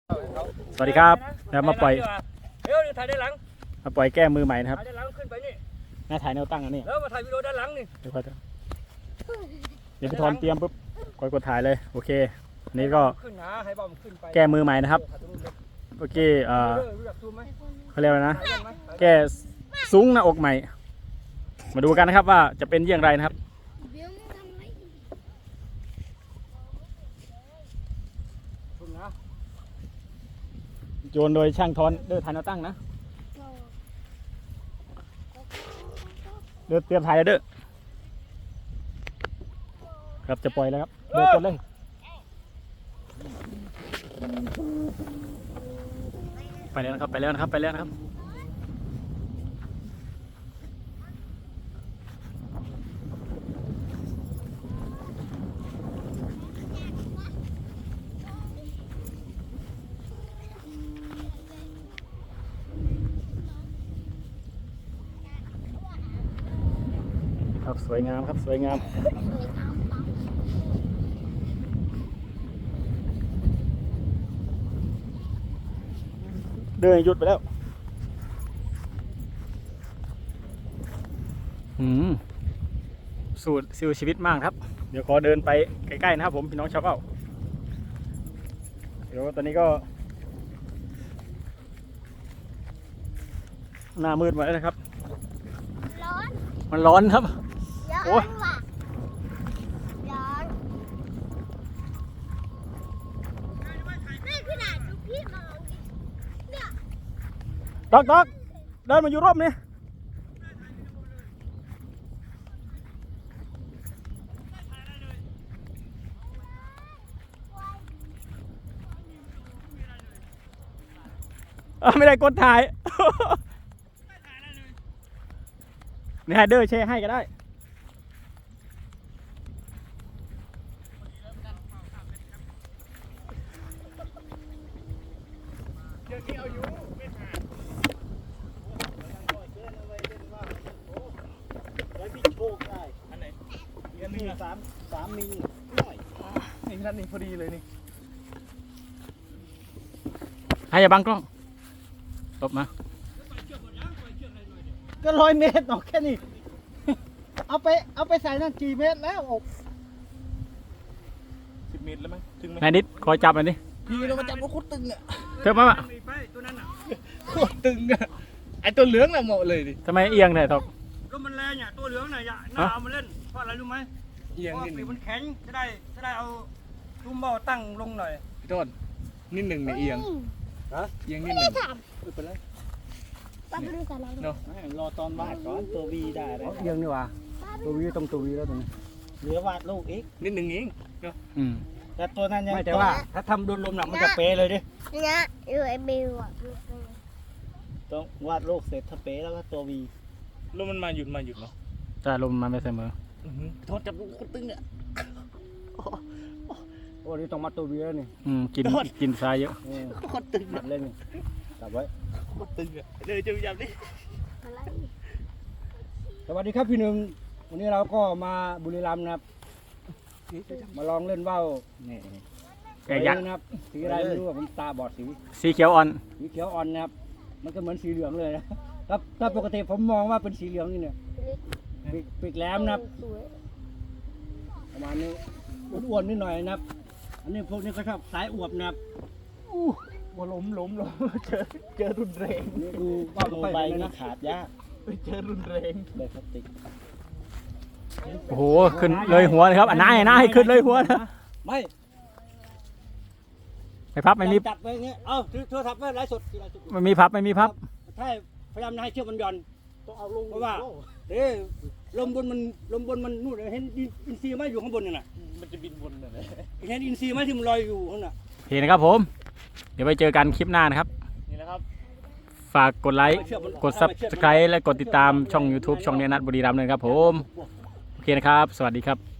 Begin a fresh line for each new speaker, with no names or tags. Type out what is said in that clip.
สวัสดีครับแล้วมาปล่อย
เดี๋ยวถ่ายด้านหลัง
มาปล่อยแก้มือใหม่นะครับ
ถ่ายด้านหลังขึ้นไปนี่
หน้าถ่ายแนวตั้งอันนี้
แล้วมาถ่ายวิดีโอด้านหลังนี่
เดี๋ยวค่อยเดี๋ยวพี่ทอนเตรียมปุ๊บกดถ่ายเลยโอเคอันนี้ก็
ขึ้นหาให้บอมขึ้นไป
แก้มือใหม่นะครับเมื่อกี้เขาเรียกว่านะแก้ซุ้งหน้าอกใหม่ มาดูกันนะครับว่าจะเป็นอย่างไรนะครับโยนโดยช่างทอนเดินถ่ายแนวตั้งนะเดินเตรียมถ่ายแล้วเด้อครับจะปล่อยแล้วครับเดินกดเลยไปแล้วนะครับไปแล้วนะครับไปแล้วนะครับครับสวยงามครับสวยงามเดินหยุดไปแล้วสูตรซิวชีวิตมากครับเดี๋ยวขอเดินไปใกล้ๆนะครับผมพี่น้องชาวเผ่าเดี๋ยวตอนนี้ก็หน้ามืดหมดแล้วนะครับร้อนมันร้อนครับโอ้ยร้อนไม่ขนาดดูพี่มองดิเนี่ยดอกเดินมาอยู่ร่มนี่ไม่ได้กดถ่ายนี่ให้เดอร์แชร์ให้ก็ได้เดี๋ยวนี้เอาอยู่ไม่ถ่ายไว้พี่โชคได้อันไหนอันนี้สามมิลหน่อยนี่ท่านนี่พอดีเลยนี่ให้อย่าบังกล้องตบมาก็100 เมตรออกแค่นี้เอาไปใส่นั่นกี่เมตรแล้วอก10 เมตรแล้วมั้ยถึงไหมนายนิดคอยจับหน่อยดิพี่เรามาจับรถโคตรตึงอ่ะเธอมาปะ
ตัวนั้นอ่ะ
โคตรตึงอ่ะไอตัวเหลืองน่ะเหมาะเลยดิทำไมเอียงเนี่ยทอก
รถมันแรงเนี่ยตัวเหลืองเนี่ยน่าเอามาเล่นเพราะอะไรรู้ไหมเอียงนิดนึงมันแข็งจะได้เอาตุ้มเบาตั้งลงหน่อย
พี่ต้นนิดหนึ่งในเอียงเอียงนิดหนึ่งไม่เป็นไรเนาะรอตอนวาดก่อนตัววีได้เอียงนี่วะตัววีตรงตัววีแล้วตรงนี้เหลือวาดลูกอีกนิดหนึ่งเองเนาะแต่ตัวนั้นยังไม่แต่ว่าถ้าทำโดนลมหนักมันจะเป๊ะเลยดิ
เนี่ยอยู่ไอบิวอ่ะ
ต้องวาดลูกเสร็จถ้าเป๊ะแล้วก็ตัววีลมมันมาหยุดเนาะแต่ลมมันไม่เสมอโทษจับลูกคนตึงเนี่ยโอ้นี่ต้องมาตัววีแล้วนี่กินทรายเยอะคนตึงเล่นนี่จับไว้คนตึงอ่ะเลยจะจับดิสวัสดีครับพี่หนึ่งวันนี้เราก็มาบุรีรัมย์นะครับมาลองเล่นว่าวนี่แกยักษ์นะครับสีอะไรไม่รู้ผมตาบอดสีเขียวอ่อนนะครับมันก็เหมือนสีเหลืองเลยนะครับถ้าปกติผมมองว่าเป็นสีเหลืองนี่เนี่ยปีกแหลมนะครับประมาณนี้อ้วนๆนิดหน่อยนะครับอันนี้พวกนี้ก็ชอบสายอวบนะครับว่าล้มเจอรุนแรงนี่ดูว่าโมบายนี่ขาดยากเจอรุนแรงเลยพลาสติกโอ้โหขึ้นเลยหัวเลยครับนายขึ้นเลยหัวนะไม่พับไม่มีจับไปอย่างเงี้ยโทรศัพท์ไม่ไร้สดไม่มีพับใช่พยายามให้เชือกมันหย่อนต้องเอาลงเพราะว่าลมบนมันนู่นเห็นอินทรีย์ไหมอยู่ข้างบนนี่นะมันจะบินบนเลยเห็นอินทรีย์ไหมที่มันลอยอยู่ข้างน่ะเห็นนะครับผมเดี๋ยวไปเจอกันคลิปหน้านะครับนี่แหละครับฝากกดไลค์กด Subscribe และกดติดตามช่อง YouTube ช่องเนียนัทบุรีรัมย์เลยครับผมโอเคนะครับสวัสดีครับ